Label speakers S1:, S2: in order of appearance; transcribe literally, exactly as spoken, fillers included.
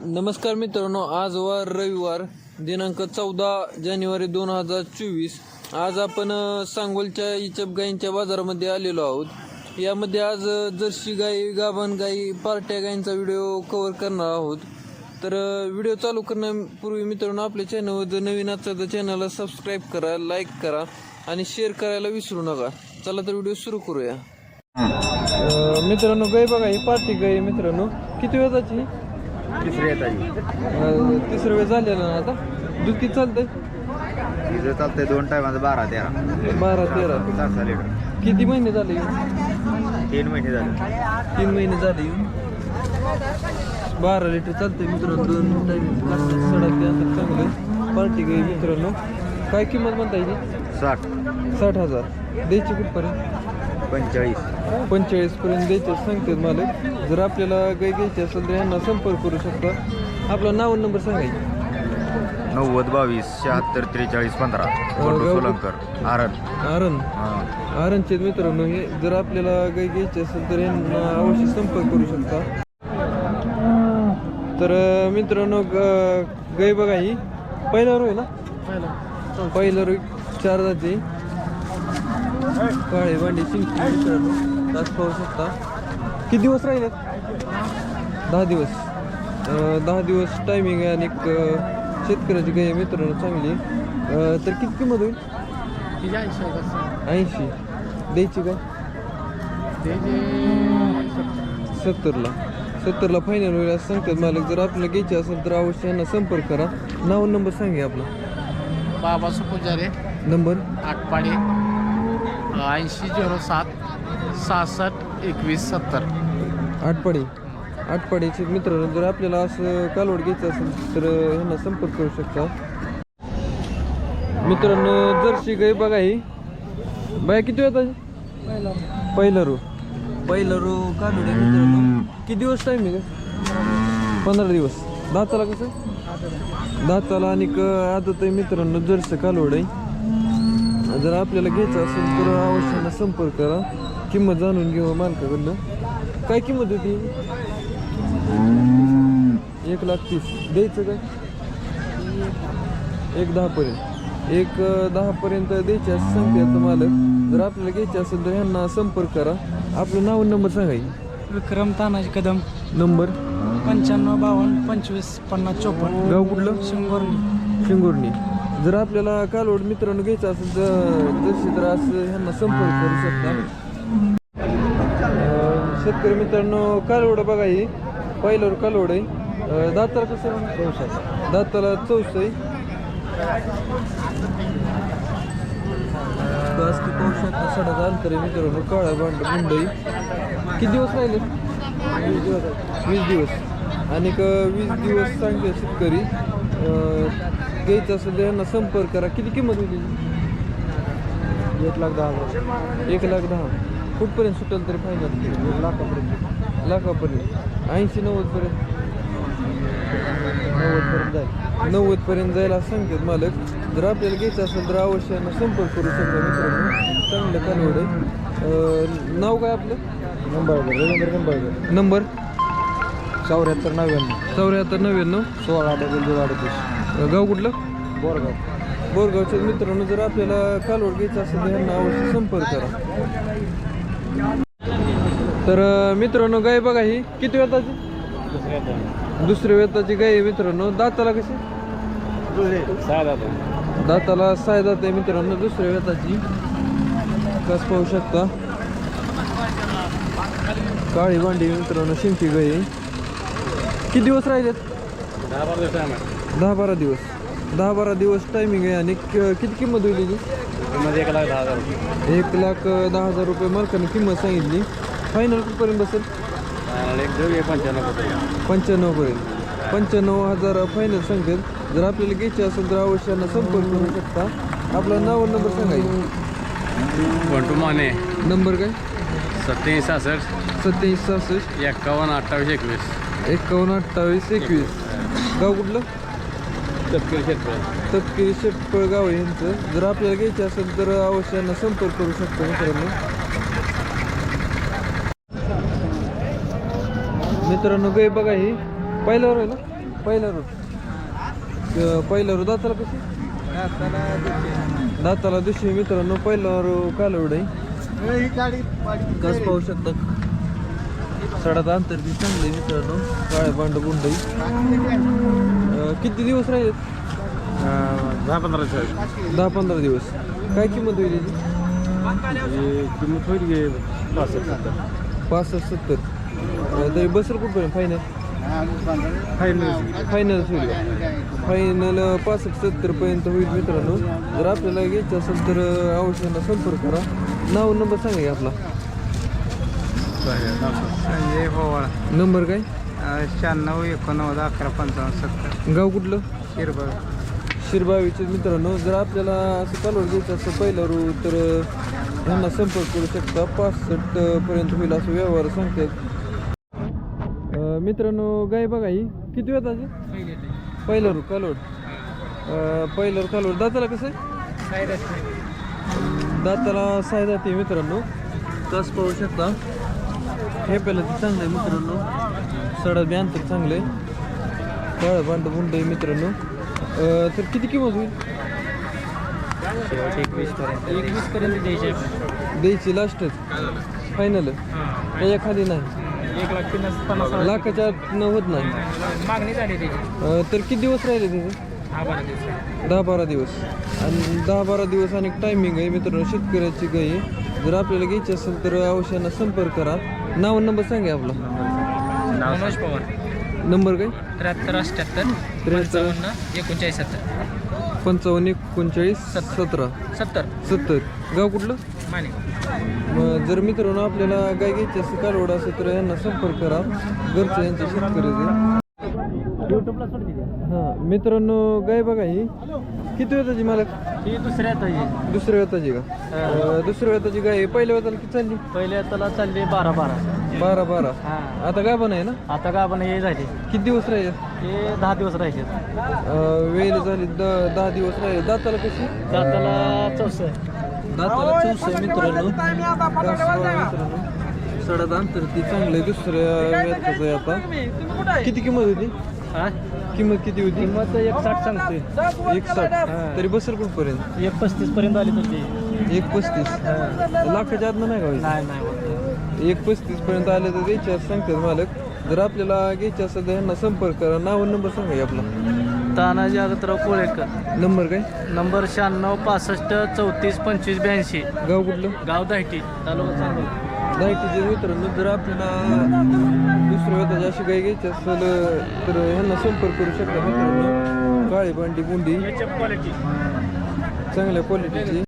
S1: नमस्कार मित्रांनो, आज वार रविवार दिनांक चौदा जानेवारी दोन हजार चोवीस. आज आपण अ, सांगोलच्या इचप गायींच्या बाजारामध्ये आलेलो आहोत. यामध्ये आज अ, जर्सी गाई, गाभण गाई, पार्ट्या गायींचा व्हिडिओ कव्हर करणार आहोत. तर अ, व्हिडिओ चालू करण्यापूर्वी मित्रांनो, आपल्या चॅनलवर जर नवीन असाल तर चॅनलला सबस्क्राईब करा, लाईक करा आणि शेअर करायला विसरू नका. चला तर व्हिडिओ सुरू करूया. अ, मित्रांनो, गाय बघा, ही पार्टी गाय मित्रांनो. किती वेळाची?
S2: तिसरी येताची
S1: तिसरं वेळ झालेलं ना आता. दूध किती चालतंय?
S2: तिचं चालतंय दोन टायमाचं बारा तेरा
S1: बारा तेरा.
S2: सहा सहा लिटर
S1: किती महिने झाले येऊन?
S2: तीन महिने झाले.
S1: तीन महिने झाले येऊन. बारा लिटर चालतंय मित्रांनो. दोन टाईम सडक अंतर चांगलं. पार्टी गाई मित्रांनो. काय किंमत म्हणता येईल?
S2: साठ
S1: साठ हजार द्यायची कुठपर्यंत?
S2: पंचेचाळीस
S1: पंचेचाळीस पर्यंत द्यायचे सांगतात मालक. जर आपल्याला गाय घ्यायची असेल तर यांना संपर्क करू शकता. आपला नाव नंबर सांगायचा.
S2: नव्वद बावीस शहात्तर त्रेचाळीस पंधरा सोलंकर आरण
S1: आरण
S2: हां
S1: आरणचे मित्रांनो. हे जर आपल्याला गाय घ्यायची असेल तर यांना अवश्य संपर्क करू शकता. तर अं, मित्रांनो, ग- गाय बघा, ही पहिला रोय ना, पहिला रोय चार जाती काळे भांडी चिंकी मित्रांनो. तास पाहू शकता. किती दिवस राहिले? दहा दिवस. अं, दहा दिवस टायमिंग आहे आणि एक, अं, शेतकऱ्याची गाय आहे मित्रांनो, चांगली. अं, तर किती किंमत होईल? ऐंशी द्यायची का? सत्तरला सत्तरला फायनल होईल असं सांगतात मालक. जर आपल्याला घ्यायची असेल तर अवश्य यांना संपर्क करा. नाव नंबर सांगा आपला.
S3: बाबा सुपुजारे,
S1: नंबर
S3: आटपाडे, ऐंशी झिरो सात सहासष्ट एकवीस सत्तर.
S1: आटपाडी आटपाडीचे मित्रांनो. जर आपल्याला असं कालवड घ्यायचं असेल तर ह्यांना संपर्क करू शकता मित्रांनो. जर्सी गाय बघा, ही बाया किती होता? पहिला रो पहिला रो कालवड आहे मित्रांनो. किती दिवस टाईम आहे का? पंधरा दिवस. दाताला कसं? दाताला आणि आदत आहे मित्रांनो. जर्सी कालवड आहे. जर आपल्याला घ्यायचं असेल तर अवश्य संपर्क करा. किंमत जाणून घेऊ मालकाकडनं. काय किंमत होती? एक लाख तीस द्यायचं काय? एक दहा पर्यंत एक दहा पर्यंत द्यायचे असं सांगते आता मालक. जर आपल्याला घ्यायचे असेल तर ह्यांना संपर्क करा. आपलं नाव नंबर सांगायचं.
S3: विक्रम तानाजी कदम,
S1: नंबर
S3: पंच्याण्णव बावन्न पंचवीस पन्नास चोपन्न.
S1: गाव कुठलं?
S3: शिंगोर्णी.
S1: शिंगोर्णी. जर आपल्याला कालवड मित्रांनो घ्यायचं असेल तर जर्सी तर असं ह्यांना संपर्क करू शकता. अं, शेतकरी मित्रांनो, कालवड बघा, ही पहिल्यावर कालवड आहे. अं, दाताला कसं? चौसा. दाताला चौस आहे. की पाहू शकता. सडक अंतर आहे मित्रांनो. काळा भांड मुंडई. किती दिवस राहिले? वीस दिवस वीस दिवस आणि क वीस दिवस सांगते शेतकरी. अं, घ्यायचं असेल तर यांना संपर्क करा. किती किंमत होती?
S2: एक लाख दहा हजार
S1: एक लाख दहा. कुठपर्यंत सुटेल तरी फायनल?
S2: एक लाखापर्यंत
S1: लाखापर्यंत. ऐंशी नव्वदपर्यंत
S2: नव्वदपर्यंत जाईल.
S1: नव्वदपर्यंत जायला असं सांगतात मालक. जर आपल्याला घ्यायचं असेल तर अवश्य यांना संपर्क करू शकता मित्रांनो. चांगलं कालवड आहे. अं, नाव काय आपलं?
S2: निंबाळकर, रवींद्र निंबाळकर.
S1: नंबर
S2: चौऱ्याहत्तर नव्याण्णव
S1: चौऱ्याहत्तर नव्याण्णव
S2: सोळा डबल दोन अडतीस.
S1: गाव कुठलं?
S2: बोरगाव.
S1: बोरगावच्या मित्रांनो. जर आपल्याला कालवड घ्यायचं असेल तर यांना अवश्य संपर्क करा. तर अं, मित्रांनो, गाय बघा, ही किती वेताची? दुसऱ्या वेताची गाय आहे मित्रांनो. दाताला कशी? दाताला सहा दात आहे मित्रांनो. दुसऱ्या वेताची. कस पाहू शकता. काळी भांडी मित्रांनो. शिंकी गाय आहे. किती दिवस राहिलेत? दहा बारा दिवस दहा बारा दिवस टायमिंग आहे. आणि क- किती किंमत होईल ही?
S2: एक लाख दहा हजार
S1: एक लाख दहा हजार रुपये मालकाने किंमत सांगितली. फायनल कुठपर्यंत बसेल?
S2: एक देऊ पंच्याण्णव
S1: पंच्याण्णव पर्यंत. पंच्याण्णव हजार फायनल सांगतात. जर आपल्याला घ्यायचे असेल तर अवश्यांना संपर्क करू शकता. आपला नाव नंबर सांगायचा.
S3: बंटू माने,
S1: नंबर काय?
S3: सत्याऐंशी सहासष्ट
S1: सत्याऐंशी सहासष्ट
S3: एक्कावन्न अठ्ठावीस एकवीस.
S1: एकावन्न अठ्ठावीस एकवीस. गाव कुठलं?
S3: तपकिरी शेतकरी.
S1: तपकिरी शेटपळ गाव आहे यांचं. जर आपल्याला घ्यायचे असेल तर अवश्यांना संपर्क करू शकतो मित्रांनो. मित्रांनो गाय बघा, ही पहिल्यावर आहे ना, पहिला रू अं, पहिला रू दाताला कशी दाताला दुसरी मित्रांनो पहिला रू कालवड आहे कस पाहू शकता सडात अंतर ती चांगली मित्रांनो काळे पांढ गुंड किती दिवस राहिले
S3: दहा पंधरा
S1: दहा पंधरा दिवस काय किंमत होईल याची?
S3: किंमत होईल गे पासष्ट सत्तर
S1: पासष्ट सत्तर अं, तरी बसेल कुठपर्यंत फायनल
S3: फायनल
S1: फायनल होईल फायनल पासष्ट सत्तर पर्यंत होईल मित्रांनो जर आपल्याला घ्यायचं असेल तर अवश्य संपर्क करा नाव नंबर सांगा की आपला
S3: संजय पवार
S1: नंबर काय
S3: शहाण्णव एकोणनव्वद अकरा पंचावन्न सत्तर
S1: गाव कुठलं
S3: शिरबळ
S1: शिरबावीचे मित्रांनो जर आपल्याला असं कालवड घ्यायचं असं पहिलं रू तर ह्यांना संपर्क करू शकता पासष्ट पर्यंत होईल असं व्यवहार सांगतात अं, मित्रांनो गाय बघा ही किती वेळाची पहिलं रू कालवड अं, पहिलं रू कालवड दाताला कसं आहे दाताला साय जाते मित्रांनो तास पाहू शकता हे पहिलं ते चांगलं आहे मित्रांनो सडा बी अंतर चांगलं आहे काळं भांड बुंड आहे मित्रांनो अं, तर किती किंमत होईल
S3: एकवीस पर्यंत एकवीस पर्यंत द्यायचे
S1: द्यायची लास्टच फायनल त्याच्या खाली नाही
S3: एक लाख पन्नास पन्नास
S1: लाखाच्या आतनं होत नाही
S3: मागणी झाली त्याची
S1: अं, तर किती दिवस राहिले त्याचे
S3: हा बारा दिवस
S1: दहा बारा दिवस आणि दहा बारा दिवस आणि टायमिंग आहे मित्रांनो शेतकऱ्याची गाई आहे. जर आपल्याला घ्यायची असेल तर अवश्यानं संपर्क करा नाव नंबर सांगा आपला
S3: मनोज पवार
S1: नंबर काय
S3: त्र्याहत्तर अठ्ठ्याहत्तर
S1: त्र्याहत्तर
S3: पंचावन्न एकोणचाळीस सत्तर
S1: पंचावन्न एकोणचाळीस सतरा
S3: सत्तर
S1: सत्तर गाव कुठलं
S3: माने
S1: मग जर मित्रांनो आपल्याला गाय घ्यायची असेल कालवड असेल तर यांना संपर्क करा घरचं यांचं शेतकऱ्याचे
S3: युट्यूबला सोडते
S1: हां मित्रांनो गाय बघा ही किती वेताची मालक
S3: ही दुसऱ्या ताजी
S1: दुसऱ्या वेताची का अं, दुसऱ्या वेताची गाय आहे. पहिल्या वेताला किती चालली
S3: पहिल्या त्याला चालली बारा बारा
S1: बारा बारा
S3: हा
S1: आता काय पण आहे ना
S3: आता का आपण हे झाले
S1: किती दिवस राहिले
S3: हे दहा दिवस राहिले
S1: अं, वेळ झाली द दहा दिवस राहिले दाताला कशी
S3: त्याला चौस
S1: दाताला चौसा मित्रांनो कास बघा मित्रांनो सडा अंतर ती चांगलं आहे दुसऱ्या वेताचं आहे आता किती किंमत होती
S3: हा
S1: किंमत किती होती
S3: किंमत एक साठ सांगतोय
S1: एक साठ तरी बसेल कुठपर्यंत
S3: एक पस्तीस पर्यंत आली तर ती
S1: एक पस्तीस लाखाच्या आतनं नाही का व्हायचं?
S3: नाही नाही
S1: एक पस्तीस पर्यंत आले तर द्यायचे असं सांगतात मालक जर आपल्याला घ्यायचे असेल तर यांना संपर्क करा नाव नंबर सांगा की आपला
S3: तानाजी अगतराव कोळेकर
S1: नंबर काय
S3: नंबर शहाण्णव पासष्ट चौतीस पंचवीस ब्याऐंशी
S1: गाव कुठलं
S3: गाव दाहिटी तालुका सांगोला
S1: दाहिटीचे मित्रांनो जर आपल्याला दुसऱ्या वेताची अशी गाय घ्यायची असेल तर ह्यांना संपर्क करू शकता मित्रांनो काळी भांडी गुंडी
S3: क्वालिटी
S1: चांगल्या क्वालिटीची